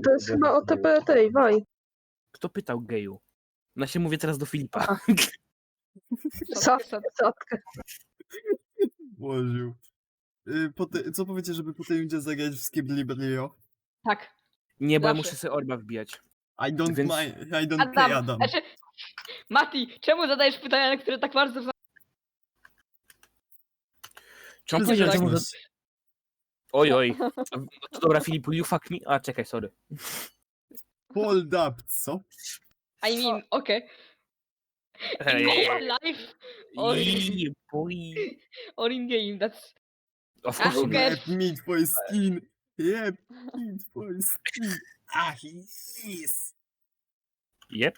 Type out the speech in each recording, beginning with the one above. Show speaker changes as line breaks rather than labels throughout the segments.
To jest chyba OTP tej, Waj.
Kto pytał geju? No się mówię teraz do Filipa.
Sadkę.
Włożył. Co powiecie, żeby po tej rundzie zagrać w Skibliblio?
Tak.
Nie, bo ja
Zawsze.
muszę sobie orba wbijać.
I don't
Więc-
mind, I don't care, Adam.
Znaczy, Mati, czemu zadajesz pytania, na które tak bardzo
Czy on
Ty
powiedział, że
zagrać
mu...
masz.
Oj. To dobra, Filipu, you fuck me? A, czekaj, sorry.
Hold up, co?
I mean, okay. In
Ej,
real life
boy.
or in game, that's...
Of
A,
course
who
you
cares?
Rep me for skin. Rep me for skin. Ah, yes.
Yep.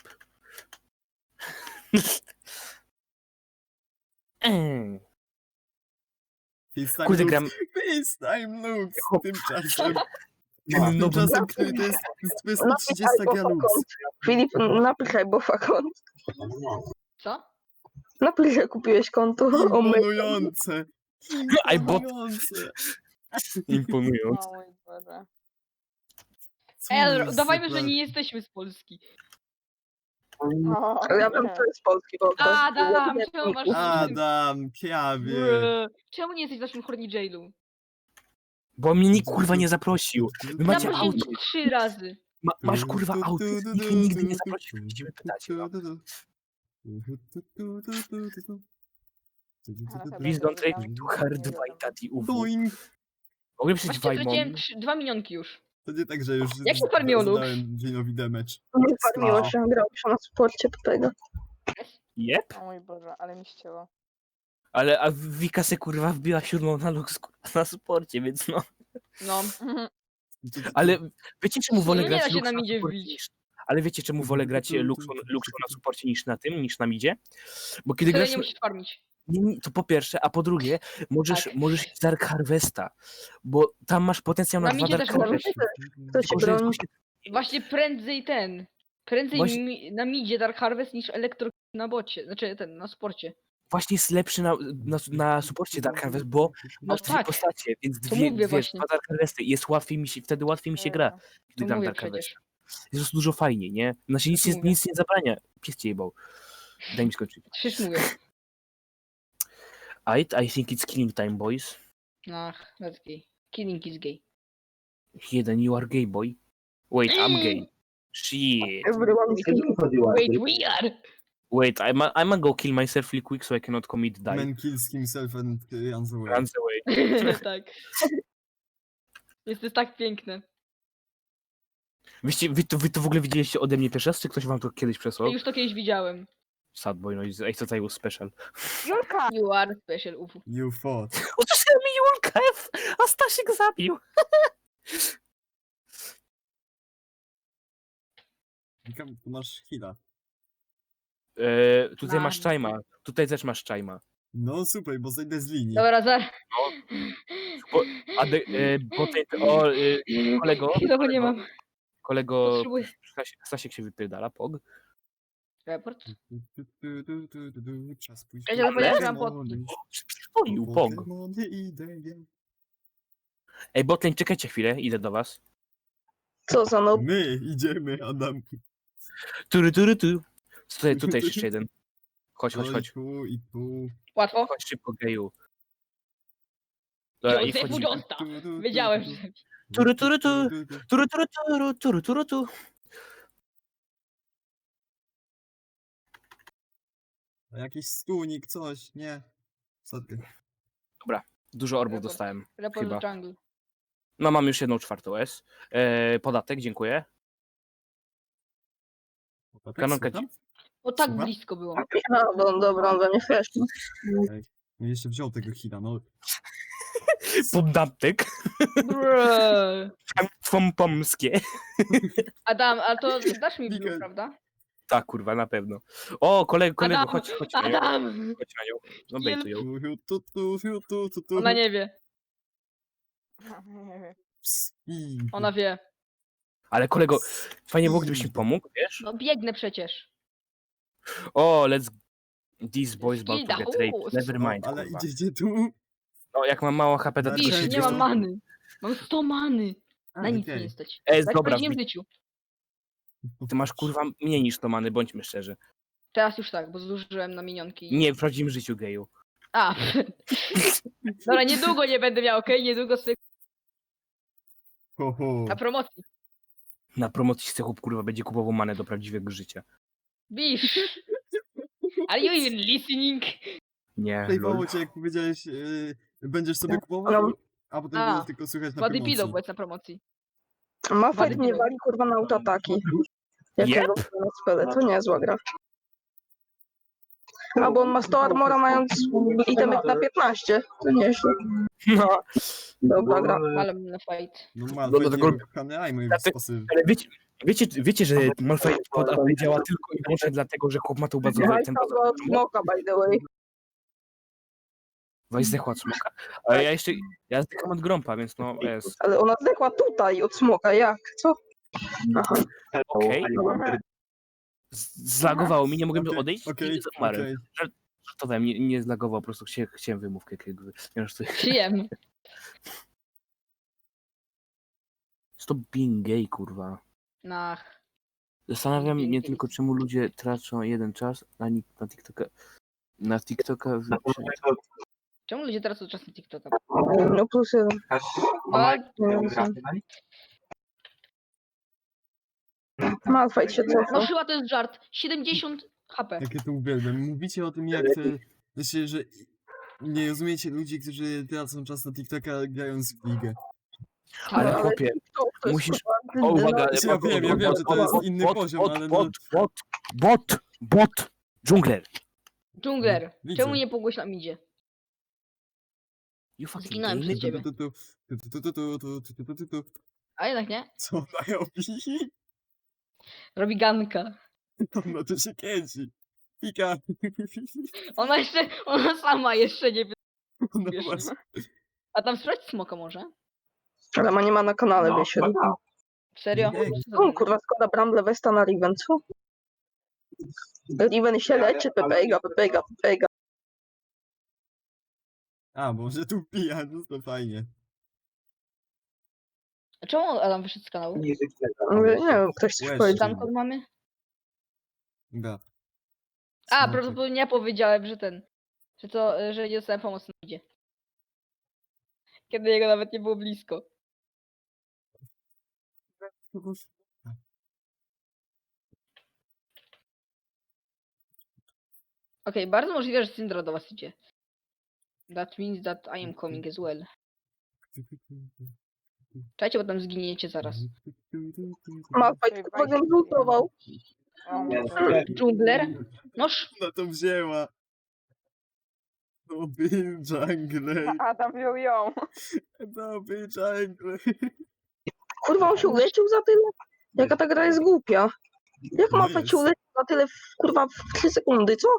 FaceTime
Kurde,
looks.
gram...
FaceTime looks. Tymczasem,
No,
tymczasem to jest 230 gra looks.
Filip, napiszaj bofa kont.
Co?
Napisz, że kupiłeś konto. O my.
Imponujące.
I bought-
Imponujące.
Imponując.
O mój Boże.
Co
Ej,
za
udawajmy, że
super.
nie jesteśmy z Polski.
Ale ja wiem, to jest polski bofa.
Adam, czemu masz...
Adam, prawie.
Brr. Czemu nie jesteś w naszym horny jailu?
Bo mnie nikt kurwa nie zaprosił. Wy macie
Zaprosiłem
auto.
cię 3 razy.
Masz kurwa auto. Nikt mnie nigdy nie zaprosił. Widzimy, pytacie. No. Please don't trade me too hard, Wajtati UW.
Doing.
Mogę przejść
Właśnie
Wajmon.
straciłem 2 minionki już.
To nie tak, że już
Jak się farmiło looks?
zadałem Winowi damage.
Nie farmiło się, grał się na sporcie do tego.
Jep.
O mój Boże, ale mi ścięło.
Ale a Wika se kurwa wbiła 7 na lux kurwa, na sporcie, więc no.
No.
Ale wiecie czemu wolę
Nie da
grać
się
Luxo
na midzie
supporcie
wbić.
niż... Ale wiecie czemu wolę grać Luxo na supporcie niż na tym, niż na midzie? Bo kiedy
Tyle
grasz...
nie musisz farmić.
Nie, to po pierwsze, a po drugie, możesz,
Tak.
możesz iść z Dark Harvesta, bo tam masz potencjał na
Na
2
midzie
Dark
też możesz.
Harvesty.
Kto się
Tylko, że
broni?
Właśnie prędzej ten. Prędzej
Właśnie-
na midzie Dark Harvest niż Elektro na bocie. Znaczy ten, na sporcie.
Właśnie jest lepszy na supporcie Dark Harvest, bo
No
masz dwie
tak.
postacie, więc
To
dwie,
mówię
wiesz,
właśnie.
2 Dark Harvesty i jest łatwiej mi się, wtedy łatwiej mi się gra,
Jezu.
gdy
To
gram
mówię
Dark Harvest.
przecież.
Jest po prostu dużo fajniej, nie? Znaczy nic,
To mówię.
nic nie zabrania. Pies cię jebał. Daj mi skończyć.
Przecież mówię.
I think it's killing time, boys.
Ach, that's gay. Killing is gay.
Jeden, you are gay, boy. Wait, I'm gay. Shit.
Everyone is
Wait, we are!
Wait, I'm go kill myself real quick so I cannot commit die.
Man kills himself and runs away.
Runs away.
Tak. Jest to tak piękne.
Wy to w ogóle widzieliście ode mnie pierwszy raz, czy ktoś wam to kiedyś przesłał?
Już to kiedyś widziałem.
Sad boy, no i ej, co tutaj był special?
Julka!
You are special, ufu.
You thought.
Usłyszałem mi Julka F, a Stasiek zabił.
Wika, tu masz heala.
Tutaj
Mam.
masz czajma, tutaj też masz czajma.
No super, bo zejdę z linii.
Dobra, zaraz.
Kolego,
Chwilowo nie mam.
kolego,
Potrzebuję.
Stasiek się wypierdala, pog.
Raport?
Czas pójść
Ja
po
się zapomniałem, że mam
Pokemony.
Przypomnił, pog.
Pokemony idę ja.
Ej, Botlane, czekajcie chwilę, idę do was.
Co za no.
My idziemy, Adam.
Tu. Tutaj jest jeszcze jeden. Chodź.
Tu i tu.
Łatwo?
Chodź szybko, geju. Dobra, i
Józef
wchodzimy.
Udosta. Wiedziałem, że...
Tu.
Jakiś stunik, coś, nie. Co ty?
Dużo orbów
Raport.
dostałem.
Raport
Chyba.
do jungle.
No mam już 1/4 S. Podatek, dziękuję. Kanonka
Słucham?
O, tak
Słucham?
blisko było.
A, no, dobra, on we mnie flesznie.
No jeszcze wziął tego heala, no.
Podatek.
Bruh.
Pomskie.
Adam, a to dasz mi blue,
Miguel.
prawda?
Tak, kurwa, na pewno. O, kolego,
Adam,
chodź na nią.
Adam!
Chodź na nią. No bejtuj ją.
Tu.
Ona nie wie.
Nie wiem.
Ona wie.
Ale kolego, fajnie było, gdybyś mi pomógł, wiesz?
No biegnę przecież.
O, these boys about to
Skida,
get raped. Never mind,
Ale
kurwa.
idziecie tu.
No, jak mam mało HP, to
Na
tylko
Widzisz,
się
szczęście.
nie mam
dzieje.
many. Mam 100 many. Na nic
okej.
nie stać.
Es,
Tak w
dobra,
prawdziwym życiu.
ty masz kurwa mniej niż to many, bądźmy szczerzy.
Teraz już tak, bo zużyłem na minionki.
Nie, w prawdziwym życiu geju.
A, dobra, niedługo nie będę miał, okej? Niedługo sobie
Ho, ho.
na promocji.
Na promocji z chłop kurwa będzie kupował manę do prawdziwego życia.
Bisz. Are you even listening?
Nie,
Fejfowało
lol.
cię, jak powiedziałeś, będziesz sobie kupował, a potem
A,
było tylko słychać na
Wady
promocji.
pilot, bo jest na promocji.
Malfight
Wady
mnie
pilot.
wali kurwa na autoataki. Jakiego na spele, to niezła gra. A bo on ma 100 armora mając itemek na 15. To nieźle.
No,
Dobra gra.
Ale na fight.
No
No,
Malfight
dlatego-
nie kochany Aimoj w
Dlatego-
sposób.
ale wiecie, że Malphite pod AP działa tylko i wyłącznie dlatego, że chłop ma tą bazową ten
Wajsa była od smoka, by the way.
Weź zdechła od smoka. Ale ja zdecham od grąpa, więc no jest.
Ale ona zdechła tutaj od smoka, jak? Co? Aha.
Okej. Zlagowało mi, nie mogłem odejść
Okej,
i umarłem.
okej.
Żartowałem, nie zlagowało, po prostu chciałem wymówkę jakiegoś.
Przyjemnie.
Stop being gay, kurwa.
Nach.
Zastanawiam
Being
mnie
gay.
tylko, czemu ludzie tracą jeden czas na TikToka. Na TikToka.
Czemu ludzie teraz od czasu TikToka?
No plus jeden. Malfight się
No
cofał.
chyba to jest żart. 70 HP.
Jakie to uwielbiam. Mówicie o tym, jak to... Znaczy, że nie rozumiecie ludzi, którzy tracą czas na TikToka grając w ligę.
Ale
Ale-
chłopie,
To jest,
musisz-
kurwa,
o uwaga,
Ja wiem, że to jest inny poziom, ale no...
bot, dżungler.
Dżungler.
Widzę.
Czemu nie pogłoś nam idzie?
You fucking
Zginąłem
gay
przez ciebie. A jednak nie.
Co ona robi?
Robi ganka.
Ona to się kręci. Pika.
Ona sama jeszcze nie wie.
Ona
Wiesz,
właśnie...
A tam sprawdź smoka może?
Ale ma nie ma na kanale wysiedł.
Serio?
Ej.
O kurwa, składa Bramble Vesta na Riven, co? Riven się leczy, Pepega.
A, może tu pija, no to fajnie.
A czemu Adam wyszedł z kanału?
Nie wiem, ktoś coś
Łez.
powiedział.
Tam kod mamy?
Da.
A,
Smoczek.
prawdopodobnie ja powiedziałem, że że nie dostałem pomocy na idzie. Kiedy jego nawet nie było blisko. Okej, bardzo możliwe, że Syndra do was idzie. That means that I am coming as well. Czekajcie, bo tam zginiecie zaraz.
Malfight kurwa go zlutował.
Dżungler? Noż,
Ona to wzięła. Dobry jungle.
Adam wziął ją.
Dobry jungle.
Kurwa, on się uleczył za tyle? Jaka ta gra jest głupia. Jak
No
Malfight się
jest.
uleczył za tyle, kurwa, w 3 sekundy, co?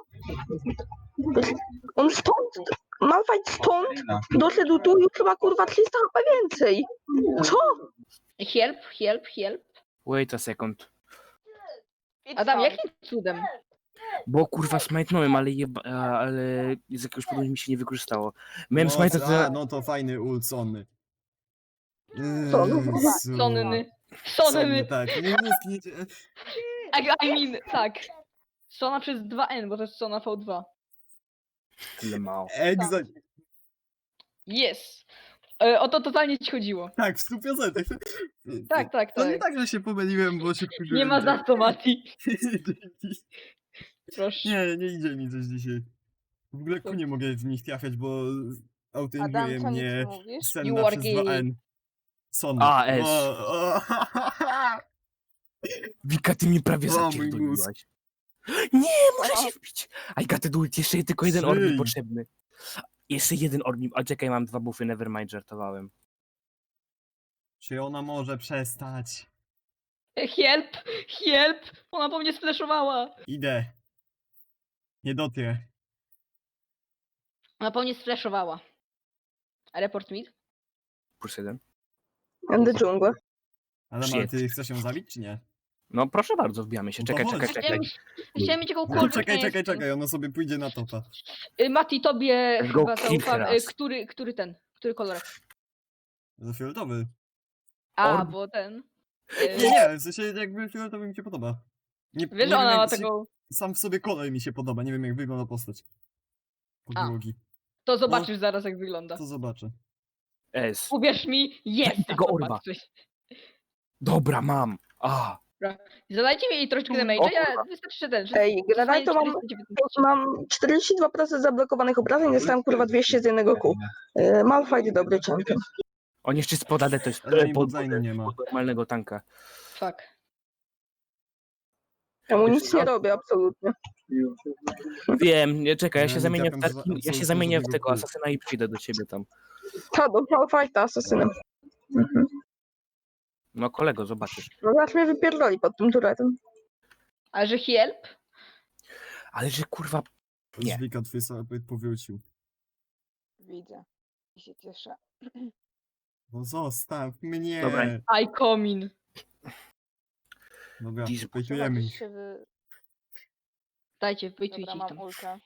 On stąd, Malfight stąd doszedł tu już chyba, kurwa, 300 HP więcej. Co?
help.
Wait a second.
Adam, jakim cudem?
Bo kurwa smajtnąłem, ale z jakiegoś powodu mi się nie wykorzystało. Miałem smajta,
A, no to fajny ult Sonny.
Sonny.
Jezu.
Sonny.
Sonny, tak. Nie skiniecie.
I mean, tak. Sona przez 2N, bo to jest Sona V2.
tyle mało.
Egza...
Yes! O to totalnie ci chodziło.
Tak, w 100%.
Tak.
To nie tak, że się pomyliłem, bo się wkurzyłem.
Nie ma za to, Mati.
Dzięki.
Proszę.
Nie idzie mi coś dzisiaj. W ogóle nie mogę w nich trafiać, bo autoinguje
Adam, co nic
mnie
mówisz?
You
Senna
are
przez
gay.
2N. Sonny.
A, S.
O.
Wika, ty mnie prawie
O, mój
zapierdoliłaś. Nie, muszę się wbić. I got to it. Jeszcze tylko jeden orb mi
Żyj.
potrzebny. Jeszcze jeden orb mi... A czekaj, mam 2 buffy, nevermind, żartowałem.
Czy ona może przestać?
Help! Ona po mnie splashowała.
Idę. Nie dotrę.
Ona po mnie splashowała. Report mid?
Plus 1.
And the jungle.
Ale
Shit.
ty chcesz ją zabić, czy nie?
No proszę bardzo, wbijamy się.
No to
Czekaj.
chodź.
Chciałem mieć
No,
jakąkolwiek...
czekaj, ona sobie pójdzie na topa.
Mati, tobie
Let's go
chyba
kill
zaufam.
teraz.
Który kolorek?
Za fioletowy.
A,
Orb.
bo ten...
Nie, w sensie jakby fioletowy mi się podoba. Nie,
Wiesz,
nie
ona
wiem,
ma
jak
taką...
sam w sobie kolor mi się podoba, nie wiem jak wygląda postać. Podłogi.
To zobaczysz zaraz, jak wygląda.
To zobaczę.
S.
Uwierz mi, jest!
Daj tego orba.
zobaczysz.
Dobra, mam. A.
Zadajcie mi troszeczkę
O
damage'a, ja
kurwa.
wystarczy, że ten... że
Ej, generalnie to mam,
419.
mam 42% zablokowanych obrażeń, dostałem kurwa 200 z jednego kół. Malphite dobry champion.
On jeszcze spodadę to jest
Ale oni
pod
botlane nie ma.
normalnego tanka.
Fuck.
Ja mu nic nie robię, absolutnie.
Wiem, nie czekaj, ja
Ja
się
nie
zamienię w
trafiam
taki, ja
absolutnie
się zamienię w
żadnego
tego
kół.
asasyna i przyjdę do ciebie tam.
Ta, do Malphite'a asasynem. Mhm.
No kolego, zobaczysz.
No zaraz mnie wypierdoli pod tym turetem.
Ale że help?
Ale że kurwa. Nie.
Dźwika twój sobie powrócił.
Widzę. I się cieszę.
No zostaw mnie.
Dobra.
I come in.
Dobra,
Dziś-
pejtujemy
Zobaczysz
ich.
się wy...
Dajcie,
Dobra,
wyjtujcie ich
mam
tam.
ultę.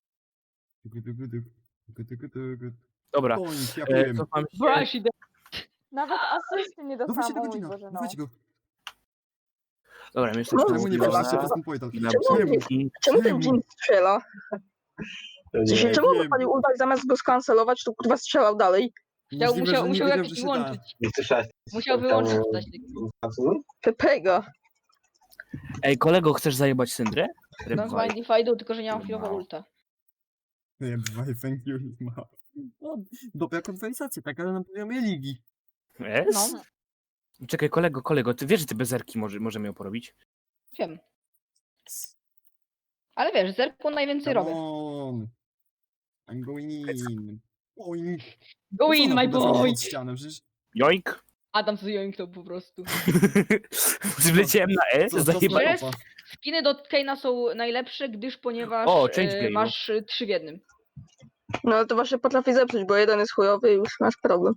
Dobra.
Point, ja powiem.
Cofam się.
Brush it.
Nawet asysty nie
Dawajcie
dostałam,
do
o mój
godzina,
Boże, no.
dawajcie go.
Dobra, my jesteśmy
No,
Czemu nie
Dobra.
weszliście przez ten point?
Czemu Czemu ten Jin strzela? W sensie, czemu on
wiem.
wypalił ulta i zamiast go skancelować, to kurwa strzelał dalej?
Możliwe, że nie
Musiał
wiedział,
jakiś
że się da.
wyłączyć. Musiał wyłączyć coś takiego.
Pepega.
Ej, kolego, chcesz zajebać Syndrę?
No chyba Indifidu, tylko że nie mam chwilowo ulta.
Nie, thank you, ma. No, dobra konwersacja, tak, ale na poziomie ligi.
Yes?
No,
Czekaj, kolego, ty wiesz, że ty bez zerki możemy ją porobić?
wiem. Ale wiesz, zerku najwięcej
Come
robię.
on. I'm going in. Point.
Go in, my boy!
Pod ścianę, przecież
Joink!
Adam zjoinknął po prostu.
Wleciałem na S,
co
zajebałem.
Wiesz?
topa.
Skiny do Kane'a są najlepsze, ponieważ
O, change game.
masz 3 w jednym.
No ale to właśnie potrafi zepsuć, bo jeden jest chujowy i już masz problem.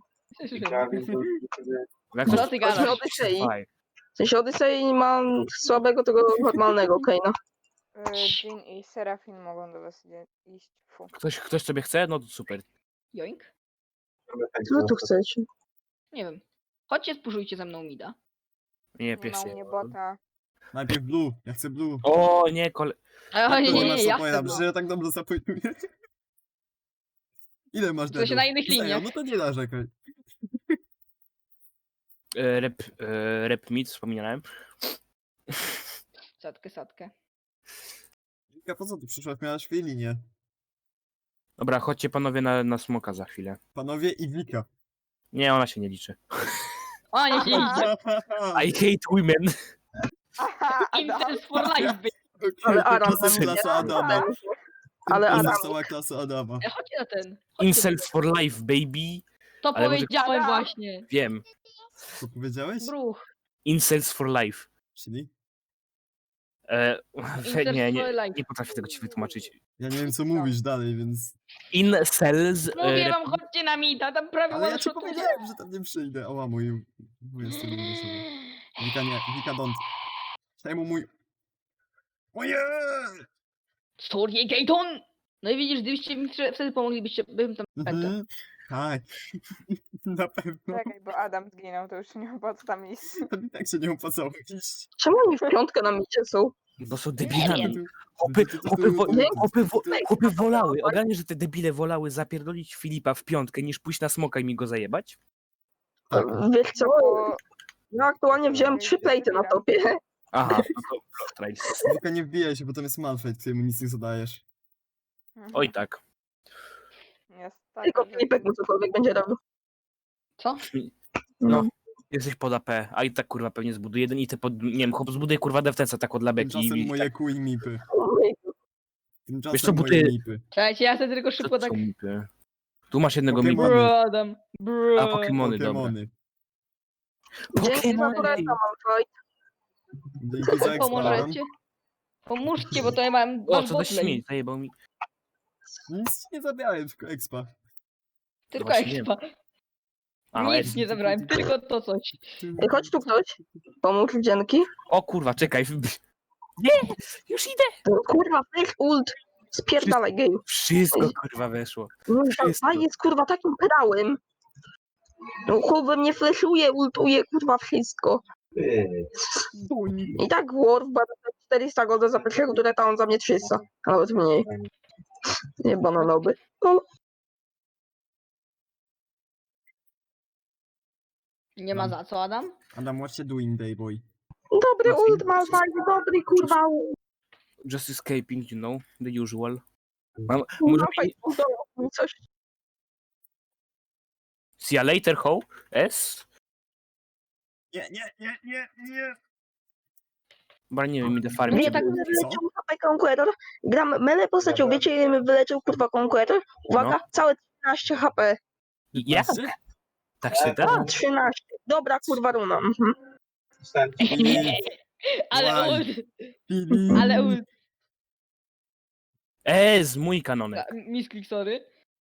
Jak
Co
coś-
ty gadasz?
Odyssey.
Faj.
W sensie Odyssey ma słabego tego normalnego Kane'a.
Jin i Serafin mogą do was iść. Fu.
Ktoś sobie chce? No to super.
Joink?
Co wy tu chcecie?
Nie wiem. Chodźcie, spuszujcie ze mną mida.
Nie,
Nie ma u
piesy.
mnie bota.
Najpierw blue, ja chcę blue.
O, nie,
A, nie,
Ile
nie,
masz
nie, ja
supporta?
chcę
Przecież ja tak dobrze zapojuję. Ile masz
W sensie na innych
Serio,
liniach.
No to nie narzekaj.
rep mid, wspominałem.
Sadkę.
Wika, po co ty przyszłaś? Miałaś dwie linie.
Dobra, chodźcie panowie na smoka za chwilę.
Panowie i Wika.
Nie, ona się nie liczy.
O, nie się idzie.
I hate women.
Aha, Adam.
Incels for life, bitch.
Okej,
Ale Adam
to jest klasa Adama.
Ale
To
Adam.
jest cała klasa Adama.
Chodźcie na ten. Chodźcie.
Incels for life, baby.
To
ale może-
powiedziałem
Adam.
właśnie.
Wiem.
Co powiedziałeś?
Bruch.
Incels for life.
Czyli?
Incels
Nie,
for life.
nie potrafię tego ci wytłumaczyć.
Ja nie wiem co mówisz dalej, więc...
Incels...
Mówię wam, chodźcie na mida, tam prawie
Ale ja ci
one-shotuje.
powiedziałem, że tam nie przyjdę. Oła, mój jest tym wyszedł. Wika nie, Wika don't. Czemu mój... Oje!
Story Gaton! No i widzisz, gdybyście mi wtedy pomoglibyście, bym tam pętał.
Mhm. Tak. Na pewno.
Czekaj, bo Adam zginął, to już nie opłaca tam iść.
To i tak się nie opłacało iść.
Czemu oni w piątkę na micie są?
Bo są
Nie
debilami.
wiem.
Chłopy wolały. Ogarnie, że te debile wolały zapierdolić Filipa w piątkę, niż pójść na smoka i mi go zajebać?
Tak.
Wiesz co?
Bo...
Ja aktualnie wziąłem 3 plejty na topie.
Aha, no to trail.
Wika nie wbijaj się, bo tam jest Malphite, któremu nic nie zadajesz.
Oj tak.
Jest tak,
Tylko
że-
Filipek mu cokolwiek będzie robił.
Co?
No. Jesteś pod AP, a i tak kurwa pewnie zbuduje jeden i te pod... Nie wiem, chłop zbuduje kurwa defensa tak od labeki
Tymczasem
i
moje
tak.
kół i mipy.
Wiesz
Tymczasem
co, bo
moje
ty-
mipy.
Słuchajcie, ja sobie tylko
Co
szybko
to
tak...
są mipy? Tu masz jednego
Pokemon.
mipa.
Bro, Adam. Bro.
A Pokemony, dobra.
Pokemony.
Dzięki za tureta, Malphite.
Dzięki za ekstra.
Pomożecie? Pomóżcie, bo to ja mam...
O,
mam
co za
botlane.
śmieć, zajebał mi.
Nic ci nie zabrałem, tylko expa.
Tylko
Właśnie
expa.
A,
Nic
S.
nie zabrałem, tylko to coś.
Ej, chodź tu ktoś. Pomóż, dzięki.
O kurwa, czekaj. Nie, już idę.
Kurwa, fake ult. Spierdalaj, gej.
Wszystko kurwa weszło.
No,
Wszystko.
ta jest kurwa takim pedałem. No kurwa mnie fleszuje, ultuje, kurwa wszystko. I tak Worf bada 400 godzin za pierwszego tureta, on za mnie 300. A nawet mniej. Nie bananowy. No,
Nie ma za co, Adam?
Adam, what you doing, day boy?
dobry ult ma, dobry kurwa ult.
Just escaping, you know, the usual. Może
Malphite ultował mi coś.
see you later, ho? S?
Nie.
Bo nie wiem, idę farmić.
Wiecie, tak
żeby-
wyleciał HP Conqueror. Gram mele postacią, wiecie ile mi wyleciał kurwa Conqueror? Uwaga,
No.
całe 13 HP.
Jak? Tak się da?
13. Dobra kurwa runa. Mhm.
Filip,
Ale
Łaj.
ult,
Filip.
ale ult.
Z mój kanonek.
Misklik, sorry.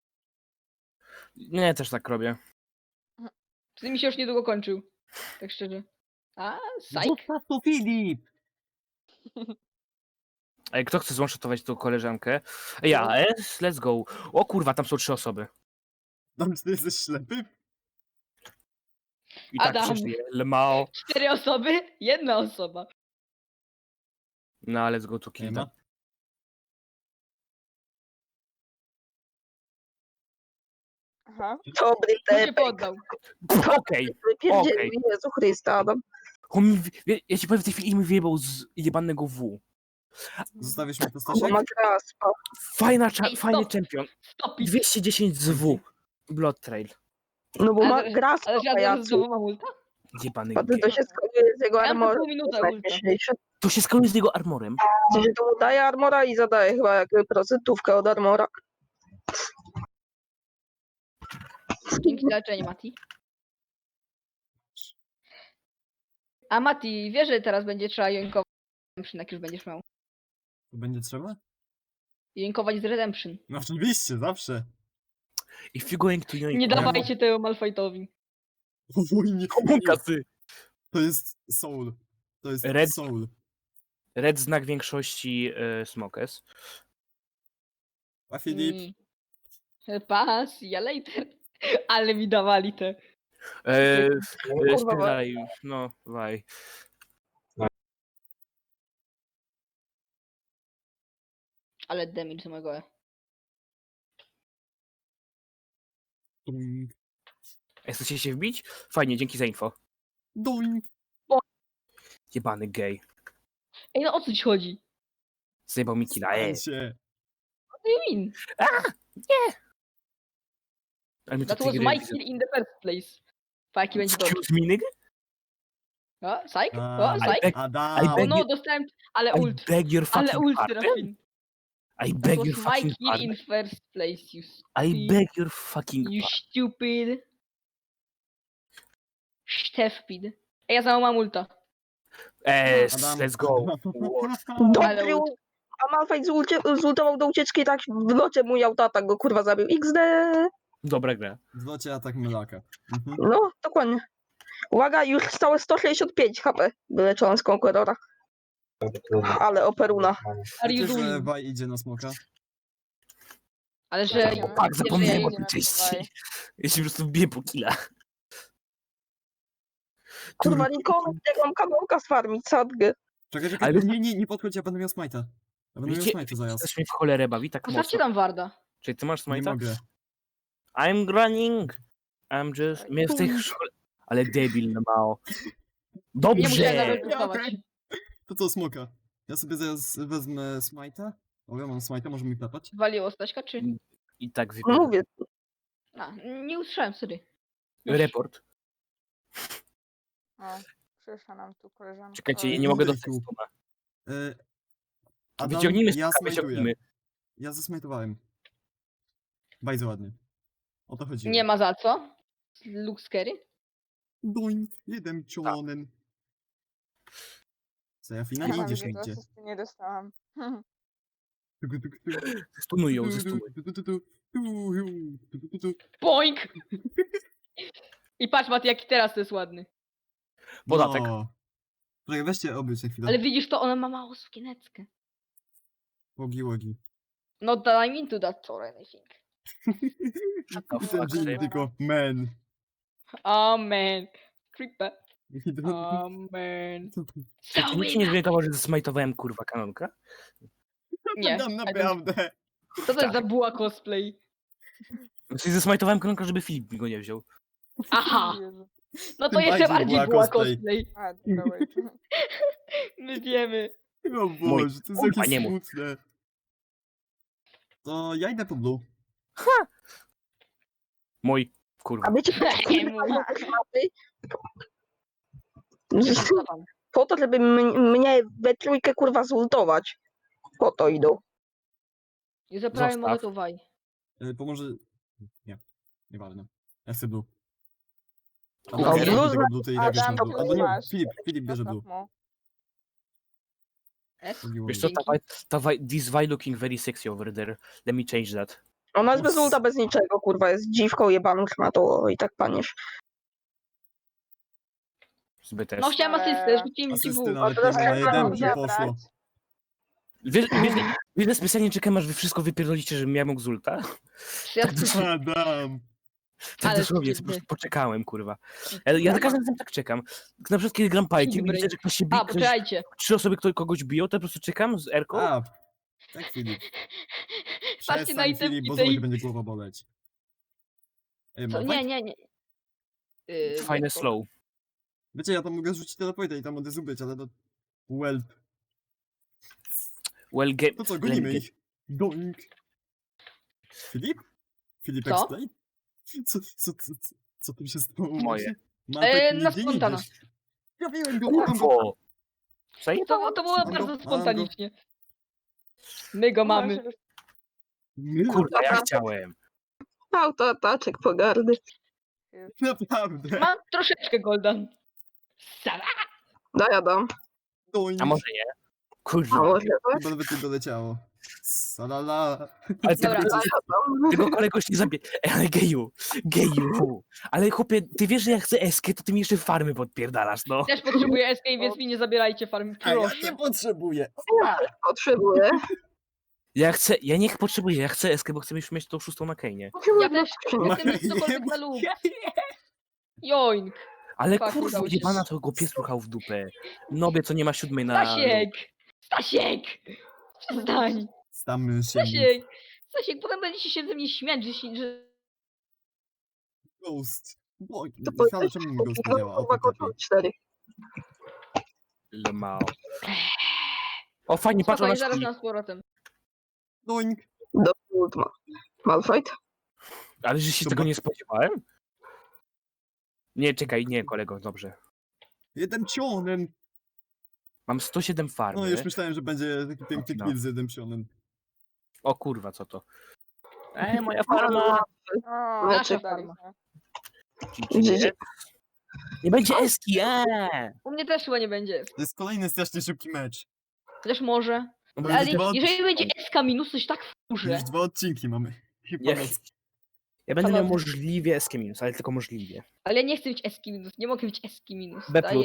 Nie, też tak robię.
Z mi się już niedługo kończył. Tak szczerze. A, psych.
Zostaw to, Filip!
Ej, kto chce złączatować tą koleżankę? Ja, let's go. O kurwa, tam są 3 osoby.
Dam, ty jesteś ślepy?
I tak
Adam.
przeszli. Lemao.
4 osoby, 1 osoba.
No, let's go to kill
Nie
them.
ma.
Aha.
Dobry
Kto się
tepek.
poddał?
Okej.
Wypierdzielił Jezu Chrysta, Adam.
On mi ja ci powiem, w tej chwili mi wyjebał z jebanego W.
Zostawisz mi
Kurwa
postaszek?
ma graspa.
Fajny
Ej, stop.
champion.
Stop it.
210 z W. Blood Trail.
No bo ma
Ale-
graspa,
Ale ja teraz
pajacu.
znowu mam ulta?
Jebany
Potem
gej.
to się skaluje z jego
Ja mam
armorem.
pół minuty
To jest
ulta.
najśmieszniejsze.
To się skaluje z jego armorem.
W sensie to mu daje armora i zadaje chyba jakby procentówkę od armora.
Dzięki za leczenie, Mati. A Mati, wiesz, że teraz będzie trzeba joinkować z Redemption, jak już będziesz miał.
To będzie trzeba?
Joinkować z Redemption.
No oczywiście, zawsze.
If you going to join...
Nie
Brawo.
dawajcie tego Malfightowi.
Oj, nie.
Kasy.
To jest soul. To jest
Red-
soul.
Red znak większości Smokes.
A Filip?
Pas, ja later. Ale mi dawali te.
Kurwa,
Spierdalaj, no, waj.
Ale damage z mojego E.
Doink.
Chcecie się wbić? Fajnie, dzięki za info.
Doink.
Jebany gej.
Ej, no o co ci chodzi?
Zjebał mi killa,
Spal się.
What do you mean?
Ale my
That
tej
was
gry
my
widzę.
kill in the first place. Pa, jaki będzie dodge.
Excuse me, nigga?
O, psych?
A,
O, psych?
Adam.
I
O
beg
no,
you-
dostałem, ale
I
ult.
beg your
Ale
fucking
ult,
pardon.
Serafin.
I
That
beg
was
your
my
fucking
kill in
pardon.
first place, you
I
stupid.
beg your fucking
You
pardon.
stupid. Stefpid. Ej, ja za mam ulta.
Adam.
Let's go.
Ale
Dobry
ult.
ult. A Malphite zultował do ucieczki i tak w locie mój autoatak go kurwa zabił. XD.
Dobra gra.
Zlocie atak Melaka. Mhm.
No, dokładnie. Uwaga, już stałe 165 HP wyleczone z Conquerora. Ale operuna.
Are you
Wiecie, że
doing?
Waj idzie na smoka?
Ale że...
Tak,
Tak,
wiesz,
zapomniałem
że
o
ja-
tej części.
Dawaj.
Ja się po prostu wbiję po killa.
Kurwa, nikomu nie mam kanałka sfarmić, sadgę.
Czekaj,
Ale-
nie podchodź, ja będę miał smite'a. Ja będę miał
Wiecie,
smite'a zaraz.
coś mnie w cholerę bawi tak
Postawcie
mocno.
tam Warda.
Czyli ty masz
Nie
smajta?
mogę.
I'm running. I'm just... Mnie w tej szkole... Ale debil, no mało.
Nie musiałem
Dobrze.
nawet testować.
okej. To co, smoka? Ja sobie zaraz wezmę smite'a. O, ja mam smite'a, może mi klepać?
Waliło Staśka, czy...
I tak wypierdolę.
Mówię,
A, nie usłyszałem, sorry.
Report.
O, przyszła nam tu koleżanka.
Czekajcie,
Oj,
ja nie mogę
Ej,
dostać
tu.
stuna.
Adam,
Wyciągnijmy
ja
smoka, wyciągnijmy.
Ja zasmajtowałem. Bardzo ładnie. O to chodziło.
Nie ma za co. Luke Scary.
Doink, jeden czołonen. Co, ja fina nie
Mam
idziesz
gdzie to
nigdzie.
asysty nie dostałam.
Tuku, tuku, tuku.
Stunuj ją,
Tu, tu,
zestunuj.
tu, tu, tu, tu, tu, tu, tu, tu.
Boink! I patrz, Mati, jaki teraz to jest ładny.
Podatek.
No. Czekaj, weźcie obróć na chwilę.
Ale widzisz to, ona ma małą sukieneckę.
Łogi, łogi.
Not that I'm into that Toren, I think.
Ten
fuck,
Jin
Dave?
tylko man.
Amen. Creeper.
I to-
Amen.
Czy nikt się nie zorientował, że zsmajtowałem kurwa kanonka?
Nie.
Tam
I don't-
naprawdę.
Co to jest za buła cosplay?
Znaczy zesmajtowałem kanonka, żeby Filip mi go nie wziął.
Aha.
Jezu.
No to
Tym
jeszcze
bardziej
bardziej
buła
buła
cosplay.
cosplay.
A, dobra, wait.
My wiemy.
O Boże, to jest
kurwa,
jakieś
nie mów.
smutne. To ja idę po blue.
Mój,
A
kurwa.
wiecie,
Nie mój. Co tam?
po to, żeby mnie we trójkę kurwa zultować. Po to idą.
I zaprawię
Zostaw.
monetowaj.
Pomoże... Nie. Nieważne. Ja chcę blue. A
No,
bo
blue
tego blue, to i tak
Adam,
jest blue.
ty
Albo nie,
masz.
Filip bierze blue.
Zostaw mu.
S?
Wiesz co, this Vi looking very sexy over there. Let me change that.
Ona jest bez ulta, bez niczego, kurwa, jest dziwką jebaną szmatą i tak paniesz.
Zbyt też.
No chciałem asystę, rzuciłem ci
Asysty
w.
nawet
teraz
nie ma, na
trzeba
jedynki
zabrać.
poszło.
Wiesz, specjalnie czekam, aż wy wszystko wypierdolicie, żebym ja mógł z ulta?
Ja
Adam.
Tak
Ale
dosłownie, po
wstydny.
prostu poczekałem, kurwa. Ja za każdym razem tak czekam. Na przykład kiedy gram Pajkiem i
Dobry.
widzę, że ktoś się bije,
A, poczekajcie.
3 osoby kogoś biją, to po prostu czekam z Erką.
A, tak Filip.
Patrzcie na
Przestań
itemki
Filip, bo
tej-
znowu będzie głowa boleć. Ej,
Co?
Malphite?
Nie.
Fajne slow.
Wiecie, ja tam mogę rzucić teleporta i tam od razu być, ale to... Welp.
Well, game.
To co, gonimy ich. Doink. Filip? Filip
Co?
Explain? Co tym się stało?
Moje.
Na spontana.
Trafiłem go, mam go.
Łatwo. Zajebałem.
To było
Mam go,
bardzo
mam go.
spontanicznie. My go mamy.
Kurwa, ja chciałem.
Autoataczek pogardy.
Naprawdę.
Mam troszeczkę golden. Sala.
Daj Adam.
Doink.
A może nie?
A
Kurwa.
może tak?
Chyba nawet nie doleciało. Salala.
Ale
Dobra.
tego kolegoś nie zabije. Ale geju. Ale chłopie, ty wiesz, że jak chcę eskę, to ty mi jeszcze farmy podpierdalasz, no.
Też potrzebuję escape, więc mi nie zabierajcie farmy.
A ja
Proszę.
nie potrzebuję.
Potrzebuję.
Ja niech potrzebuję, ja chcę eskę, bo chcę już mieć tą 6 na Kejnie.
Ja też
Ma-
chcę mieć cokolwiek na lub. Joink.
Ale
Fuck,
kurwa,
udało się.
jebana to go pies ruchał w dupę. Nobie, co nie ma 7 na...
Stasiek! Przestań!
Stamy się.
Stasiek, potem będziecie się ze mnie śmiać, że...
Ghost. Bo,
To
ale czemu mi Ghost nie działa? O,
kurwa,
to lepiej.
kontrol 4.
Lemao. O, fajnie, patrz,
Spokojnie,
ona
zaraz
śpi.
na z powrotem.
Doink.
Do ult ma. Malfight?
Ale że się
To
tego
ba-
nie spodziewałem? Nie, czekaj, nie, kolego, dobrze.
Jeden psionem.
Mam 107 farmy.
No już myślałem, że będzie taki piękny
No.
kill z jednym psionem.
O kurwa, co to? Moja farma!
O,
Nasza
daliśmy.
GG.
Nie będzie eski,
U mnie też chyba nie będzie.
To jest kolejny strasznie szybki mecz.
Chociaż może.
No bo
Ale
już dwa,
jeżeli będzie SK minus, coś tak wkurzę.
już 2 odcinki mamy. Chyba
Nie.
noc.
Ja będę miał
Panowie.
możliwie eski minus, ale tylko możliwie.
Ale ja nie chcę mieć SK minus, nie mogę mieć SK minus.
B+.
Daję